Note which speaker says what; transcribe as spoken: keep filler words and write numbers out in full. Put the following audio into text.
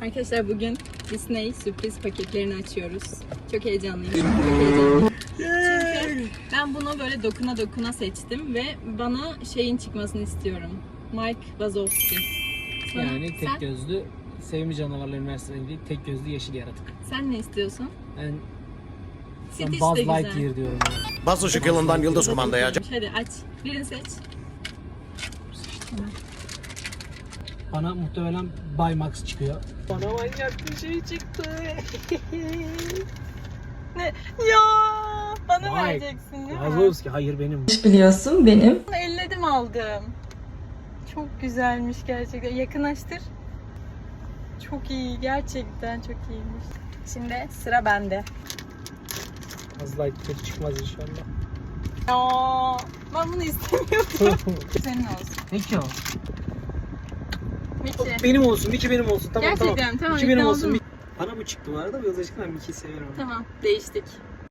Speaker 1: Arkadaşlar bugün Disney sürpriz paketlerini açıyoruz. Çok heyecanlıyım. Çok heyecanlıyım. Çünkü ben bunu böyle dokuna dokuna seçtim ve bana şeyin çıkmasını istiyorum. Mike Wazowski. Sana,
Speaker 2: Yani tek
Speaker 1: sen,
Speaker 2: gözlü Sevimli Canavarlar Üniversitesi'ne değil, tek gözlü yeşil yaratık.
Speaker 1: sen ne istiyorsun?
Speaker 2: Ben,
Speaker 1: Stitch
Speaker 2: ben
Speaker 1: de
Speaker 2: Buzz
Speaker 1: güzel.
Speaker 2: Lightyear diyorum. Yani.
Speaker 3: Bas ışık yılından Yıldız Kumanda'ya.
Speaker 1: Hadi aç. Birini seç.
Speaker 2: Bana muhtemelen Baymax çıkıyor. Bana manyak bir şey çıktı.
Speaker 1: Ne? Ya bana
Speaker 2: Vay,
Speaker 1: vereceksin değil mi?
Speaker 2: Wazowski, hayır benim.
Speaker 4: Biliyorsun benim.
Speaker 1: Elledim aldım. Çok güzelmiş gerçekten. Yakınlaştır. Çok iyi. Gerçekten çok iyiymiş. Şimdi sıra bende.
Speaker 2: Buzz Lightyear çıkmaz inşallah.
Speaker 1: Aa, ben bunu istemiyordum. Senin olsun.
Speaker 2: Peki o.
Speaker 1: Mickey.
Speaker 2: Benim olsun, Mickey benim olsun. Tamam
Speaker 1: Gerçekten,
Speaker 2: tamam.
Speaker 1: tamam,
Speaker 2: Mickey benim
Speaker 1: ikna
Speaker 2: olsun.
Speaker 1: oldum.
Speaker 2: Bana bu çıktı bu arada. Yıldız ben Mickey'i severim.
Speaker 1: Tamam, değiştik.